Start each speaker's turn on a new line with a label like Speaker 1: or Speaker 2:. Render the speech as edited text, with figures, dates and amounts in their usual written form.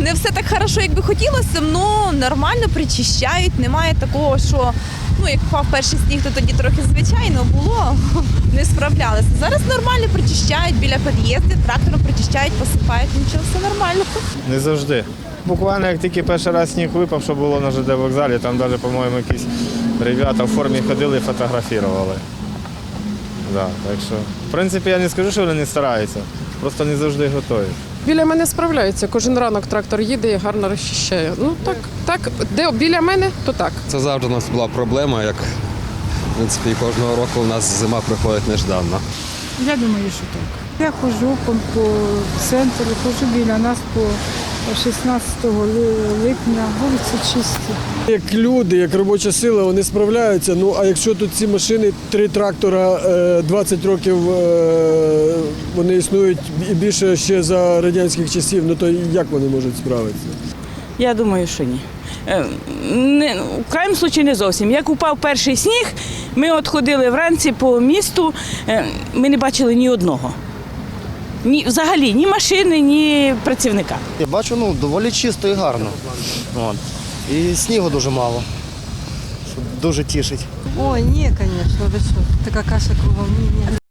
Speaker 1: Не все так хорошо, як би хотілося, але нормально причищають. Немає такого, що як впав перший сніг, то тоді трохи звичайно було, не справлялися. Зараз нормально причищають біля під'їздів, трактором причищають, посипають, нічого, все нормально.
Speaker 2: Не завжди. Буквально як тільки перший раз сніг випав, що було на ЖД вокзалі, там навіть, по-моєму, якісь ребята в формі ходили і фотографували. Да, так що, в принципі, я не скажу, що вони не стараються, просто не завжди готові.
Speaker 3: Біля мене справляються. Кожен ранок трактор їде і гарно розчищає. Ну так, де біля мене, то так.
Speaker 4: Це завжди у нас була проблема, як в принципі кожного року у нас зима приходить нежданно.
Speaker 5: Я думаю, що так. Я ходжу по центру, ходжу біля нас по 16 липня, вулиці чисті.
Speaker 6: Як люди, як робоча сила, вони справляються. Ну а якщо тут ці машини, 3 трактора, 20 років вони існують і більше ще за радянських часів, ну то як вони можуть справитися?
Speaker 7: Я думаю, що ні. В крайньому випадку не зовсім. Як упав перший сніг, ми от ходили вранці по місту, ми не бачили ні одного. Взагалі, ні машини, ні працівника.
Speaker 8: Я бачу, доволі чисто і гарно. І снігу дуже мало, що дуже тішить.
Speaker 9: Ой, ні, звісно, ви що, така каша кругом, ні.